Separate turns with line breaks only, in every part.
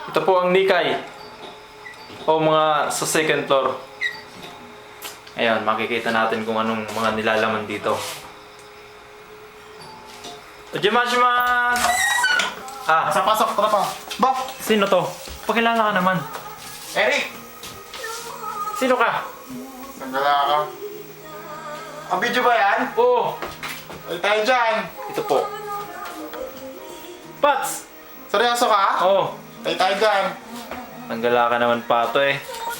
Ito po ang Nikay. O mga sa second floor. Ayan, makikita natin kung anong mga nilalaman dito. Ojimashimasu! Ah,
Sa pasok, tara pa. Ba?
sino to? Pakilala ka naman.
Eric!
Sino ka?
Nagdala ka. Ang video ba yan?
Oo,
Ay tayo dyan.
ito po. Pats!
Seryoso ka?
Oo,
Ay tayo dyan.
nanggala ka naman pato eh.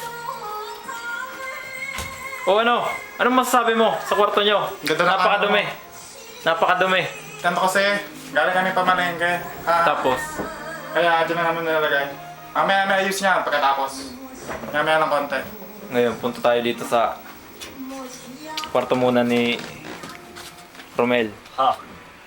O ano? Anong masasabi mo sa kwarto nyo?
Ganda na
Napakadumi. Napakadumi.
Ganto kasi, galing kami pamalengke.
Tapos,
Kaya dyan na naman nilalagay. Mamaya na ayos niya pagkatapos. Mamaya ng konti.
ngayon punta tayo dito sa kwarto muna ni Romel.
Ah,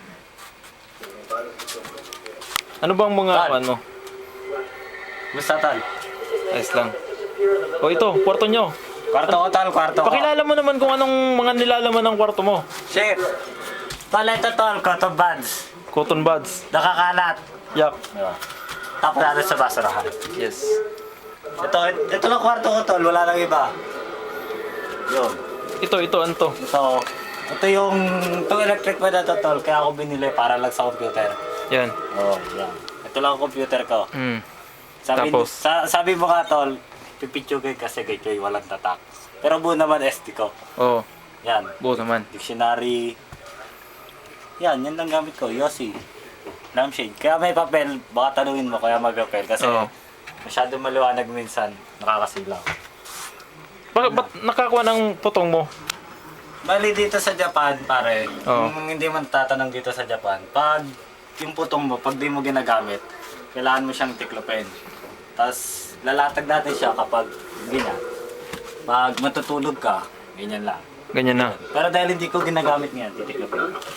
Ano bang mga
Tal.
ano?
gusto tal.
Ayos lang. O ito, kwarto nyo.
Kwarto ko tal, kwarto ko.
Pakilala mo naman kung anong mga nilalaman ng kwarto mo.
Chef! Tal, ito tol, cotton buds.
Cotton buds.
Nakakalat.
Yak.
Tapos natin sa basurahan.
Yes.
Ito lang kwarto ko tol, wala nang iba. Yun.
Ito, ano to?
Ito yung, itong electric fan na to tol, kaya ako binili para lang sa computer.
Yan.
Oo, yan. Ito lang ang computer ko.
Hmm.
Sabi,
Tapos?
sabi mo nga tol, pipitsugay kasi kay Joy, walang tatak. Pero buo naman SD ko.
Oo.
Yan.
Buo naman.
Dictionary. Yan lang gamit ko. Yossi. Lampshade. Kaya may papel, baka tanungin mo kaya mag-papel. Kasi
Oo.
masyado maliwanag minsan, nakakasilaw.
Bakit ba't nakakuha ng putong mo?
Bali dito sa Japan, pare,
Oo.
kung hindi man tatanong dito sa Japan, pag yung putong mo, pag di mo ginagamit, kailangan mo siyang tiklopin. Tapos lalatag natin siya kapag ganyan. Pag matutulog ka, ganyan lang.
Ganyan na.
Pero dahil hindi ko ginagamit ngayon, titiklopin ko.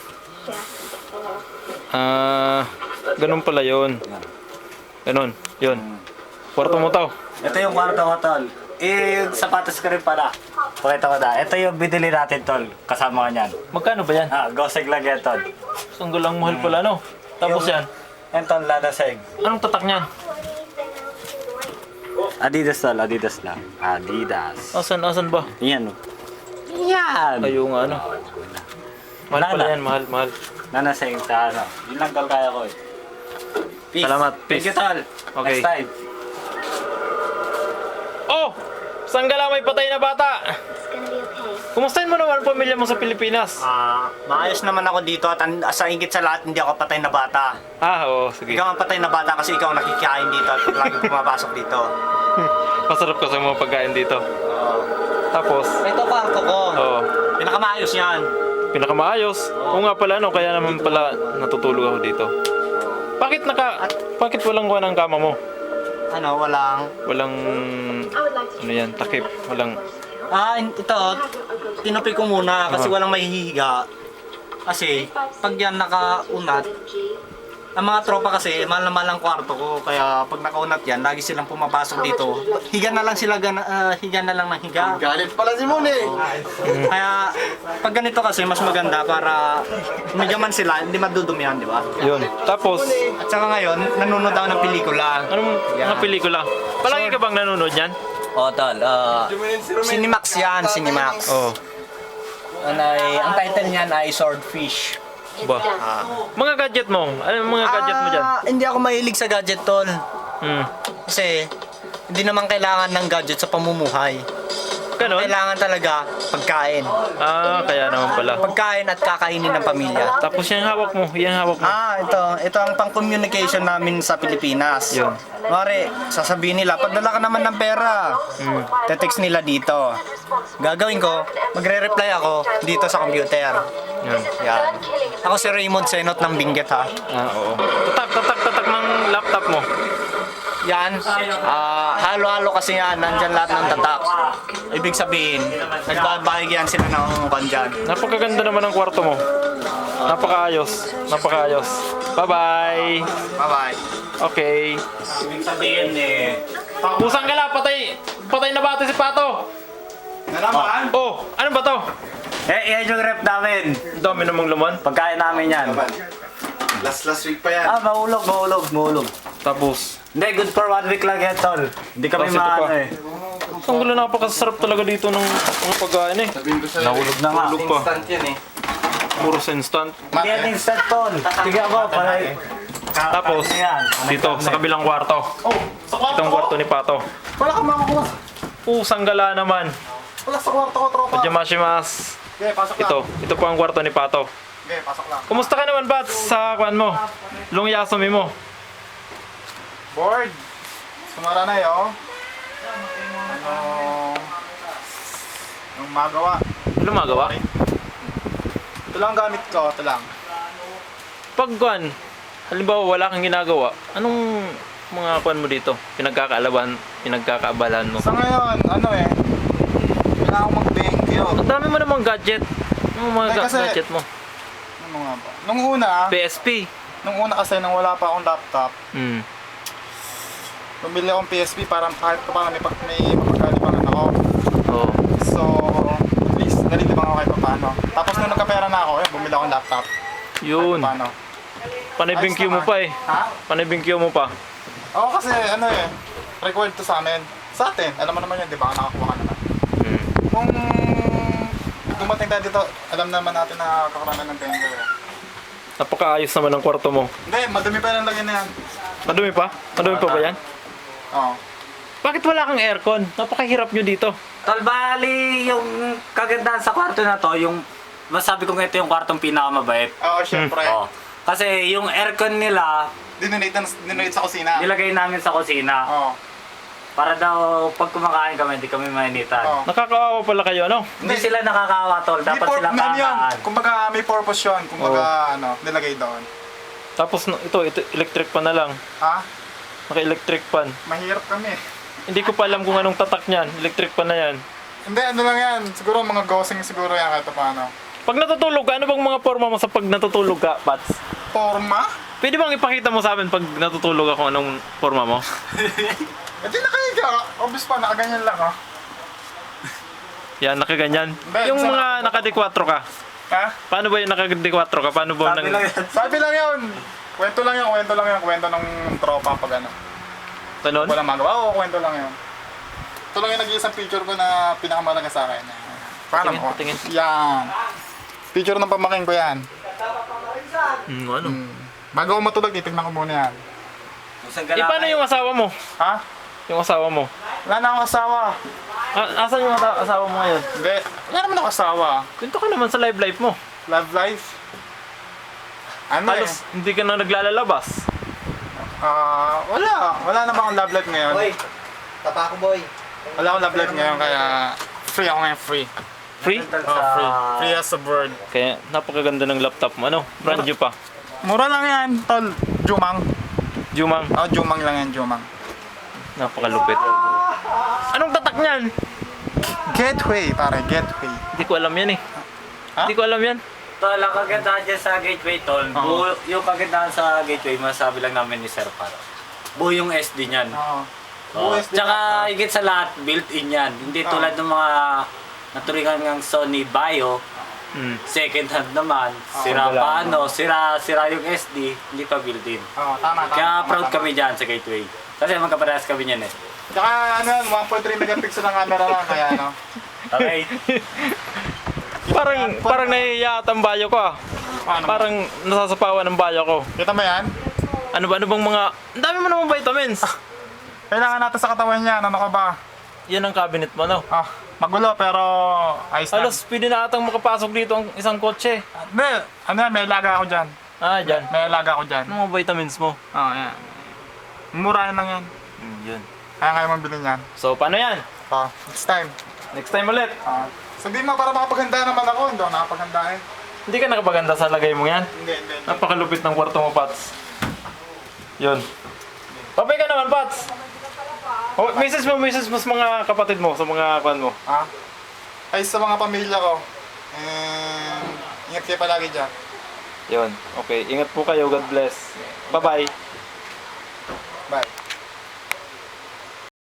Ganun pala yun.
Yan.
Ganun. Yun. Kwarto mo to.
Ito yung kwarto ko, tol. Yung sapatos ko rin pala. Pakita ko na. Ito yung binili natin, tol. Kasama ka niyan.
Magkano ba yan?
Goseg lang yan, tol.
Sanggalang mahal pala, no? Tapos yan.
Yan, tol, ladaseg.
Anong tatak niyan?
Adidas, tol. Adidas lang. Adidas.
Asan ba?
Yan, oh. Yan!
Kayo nga, ano? Mahal
Wala
pala
na.
yan, mahal.
Nanaseg sa ano. Yun lang, tol, kaya ko eh. Peace.
Salamat,
Thank
peace.
you, tol.
Okay.
Next time.
Oh! Sanggala may patay na bata! Kumustahin mo naman ang pamilya mo sa Pilipinas?
Maayos naman ako dito at sa ingit sa lahat hindi ako patay na bata.
Oo, sige.
Ikaw ang patay na bata kasi ikaw ang nakikain dito at laging pumapasok dito.
Masarap kasi mga pagkain dito. Tapos,
Ito kwarto ko.
oh,
Pinakamaayos yan.
pinakamaayos. Oo nga pala, no? Kaya naman pala natutulog ako dito. Bakit walang kuha ng kama mo?
Ano, walang...
Walang, ano yan, takip. Walang,
Ito, tinupi ko muna kasi walang mahihiga. Kasi, pag yan nakaunat, ang mga tropa kasi, mahal na mahal ang kwarto ko. Kaya pag nakaunat yan, lagi silang pumapasok dito. Higa na lang sila, higa na lang ng higa.
Galit pala si Mune.
Kaya, pag ganito kasi, mas maganda para medyaman sila, hindi madudumihan, di ba?
yun. Tapos,
At saka ngayon, nanonood ako ng pelikula.
anong mga pelikula? Palagi ka bang nanonood yan?
O, tol. Cinemax yan, Cinemax.
Oo.
Ang title niyan ay Swordfish.
Ba? Mga gadget mo. Ano yung mga gadget mo dyan?
Hindi ako mahilig sa gadget, tol.
Hmm.
Kasi, hindi naman kailangan ng gadget sa pamumuhay.
Ganon?
Kailangan talaga pagkain.
Kaya naman pala.
Pagkain at kakainin ng pamilya.
Tapos yung hawak mo,
Ito ang pang-communication namin sa Pilipinas.
Yun.
Mare, sasabihin nila, pagdala ka naman ng pera, te-text nila dito. Gagawin ko, magre-reply ako dito sa computer.
Yun.
Yan. Ako si Raymond Senot ng Benguet, ha.
Oo. Tatak ng laptop mo.
Yan. Halo-halo kasi yan. Nandyan lahat ng tatak. Ibig sabihin, nagbabahigyan sila ng kandyan.
Napakaganda naman ng kwarto mo. Napakaayos. Bye-bye.
Bye-bye.
Okay.
Ibig sabihin
Pusang gala, patay na bata si Pato.
Nalaman?
Oh, ano ba to?
yan yung rep namin.
Dami namang laman.
Pagkain namin yan.
Last week pa yan.
Mahulog.
Tapos,
Hindi, good for 1 week lang yan, tol. Hindi kami
Tapos ito pa.
maano eh.
ang gulo, napakasarap talaga dito ng mga pagkain eh.
Sabihin ko sa'yo.
Nahulog na nga.
Hulog pa.
Instant yan eh.
Puro instant.
Hindi yan instant, tol. Tignan mo, pare.
Tapos,
Ano yan?
dito, sa kabilang kwarto.
Oh, sa kwarto
Itong
ko.
kwarto ni Pato.
Wala kang makakuha.
Pusang gala naman.
Wala sa kwarto ko, tropa.
Pajamashimas.
Okay, pasok lang.
Ito po ang kwarto ni Pato.
Okay, pasok lang.
Kumusta ka naman, Bats, sa kwan mo? Lungyasumi mo.
Board. Sumara na yun. Anong magawa?
Ano magawa?
Ito lang gamit ko, ito lang.
Pag kwan, halimbawa wala kang ginagawa, anong mga kwan mo dito? Pinagkakaabalan mo?
Sa ngayon, ano eh, kailangan ko mag-thank you.
Ang dami mo namang gadget. Ano mga
Ay, kasi-
gadget mo?
Ano nga ba? Nung una kasi nung wala pa akong laptop,
Hmm.
bumili akong PSP para kahit pa paano may mapagkalibangan ako.
Oo.
So, at least nalilibang ako kahit pa paano. Tapos nung nagkapera na ako, bumili akong laptop.
Yun.
Kahit pa paano.
Panibingkyo mo
Ayos
pa eh.
Ha?
Panibingkyo mo pa.
Oo kasi ano eh, required to sa amin. Sa atin, alam mo naman yun, di ba? Nakakuha ka naman.
Hmm.
Kung dumating tayo dito, alam naman natin na kakaroon ng tender.
Napakaayos naman ang kwarto mo.
Hindi, madumi pa yung lagyan na yan.
Madumi pa? Madumi pa ba yan?
Oo.
Bakit wala kang aircon? Napakahirap nyo dito.
Tol, bali yung kagandahan sa kwarto na to, yung masabi ko nga ito yung kwartong pinakamabait.
Oo, syempre.
Oh. Kasi yung aircon nila,
Dinonate sa kusina.
nilagay namin sa kusina.
Oo.
Para daw pag kumakain kami, hindi kami mainitan.
Oo.
Nakakaawa pala kayo, ano?
Hindi sila nakakawa, tol. Dapat sila
Ano yun?
kakaan.
Kumbaga may purpose yun. Kumbaga nilagay doon.
Tapos ito electric pan na lang.
Ha?
Naka-electric pan.
Mahirap kami.
Hindi ko pa alam kung anong tatak niyan. Electric pan na yan.
Hindi, ano lang yan. Siguro mga ghosting siguro yan kahit paano.
Pag natutulog ka, ano bang mga forma mo sa pag natutulog ka, Pats?
Forma?
Pwede bang ipakita mo sa amin pag natutulog ako anong forma mo?
Eh di nakahiga. Obvious pa, nakaganyan lang oh.
Yan, nakaganyan.
Hindi,
Yung
sa-
mga naka-D4 ka.
Ha?
Paano ba yung naka-D4 ka? Paano ba
Sabi lang yan.
Sabi lang yun. Kwento lang yun. Kwento ng tropa pag ano.
Ganon?
Walang magawa. Oo, kwento lang yun. Ito lang yung nag-iisang picture ko na pinakamalaga sa akin. Paano
Patingin,
mo?
patingin.
Yan. Picture ng pamaking ko yan.
Ano?
Bago ako matulog, titignan ko muna yan.
Isang
Eh, paano yung asawa mo?
Ha?
Yung asawa mo?
Wala na akong asawa.
Asan yung asawa mo ngayon?
Hindi. Wala naman ako asawa.
Kwento ka naman sa live life mo.
Love life. Ano
Halos hindi ka na naglalabas.
Wala. Wala naman akong love life ngayon.
Tapa ko, boy.
Wala akong love life ngayon kaya free ako ngayon, free.
Free?
Oh, free. Free as a bird.
Kaya napakaganda ng laptop mo. Ano? Brand new pa.
Mura lang yan, tol. Jumang.
Jumang.
Oh, Jumang lang yan, Jumang.
Napakalupit. Anong tatak niyan?
Gateway, pare, gateway.
Hindi ko alam yan eh.
Ha?
Hindi ko alam yan.
Tol, ang kagandahan dyan sa gateway, tol.
Oo.
Yung kagandahan sa gateway, masabi lang namin ni Sir Paro. Buo yung SD niyan.
Oo.
Oh.
USB
Tsaka higit sa lahat, built-in yan. Hindi tulad ng mga naturingan ng Sony Bio, second hand naman, sira
wala.
pa sira yung SD, hindi pa built-in.
Oo, tama, tama.
Kaya
tama,
proud
tama.
kami dyan sa gateway. Kasi magkaparehas kami niyan eh.
Tsaka ano yan, 1.3 megapixel ang camera lang, kaya ano.
Okay?
Parang nahihiya at ang bayo ko ah.
Paano mo?
Parang nasasapawan ng bayo ko.
Kita mo yan?
Ano bang mga... Ang dami mo namang vitamins.
Kailangan natin sa katawan niya, ano ka ba?
Yan ang cabinet mo, no?
Magulo pero ayos lang.
Alos, pwede na atang makapasok dito ang isang kotse.
Hindi, ano yan, may alaga ako dyan.
Ah, dyan.
May alaga ako dyan.
Ano mga vitamins mo?
Oo, yan. Mura lang yan.
Yun.
Kaya kaya mong bilhin yan.
So, paano yan?
Next time.
Next time ulit.
Sabihin mo para makapaganda naman ako, hindi ako nakapaganda eh.
Hindi ka nakapaganda sa lagay mo yan?
Hindi.
Napakalupit ng kwarto mo, Pats. Yun. Papay ka naman, Pats. Oh, message mo sa mga kapatid mo, sa mga kwan mo.
Ay sa mga pamilya ko. And ingat kayo palagi dyan.
Yun. Okay. Ingat po kayo. God bless. Bye-bye.
Bye.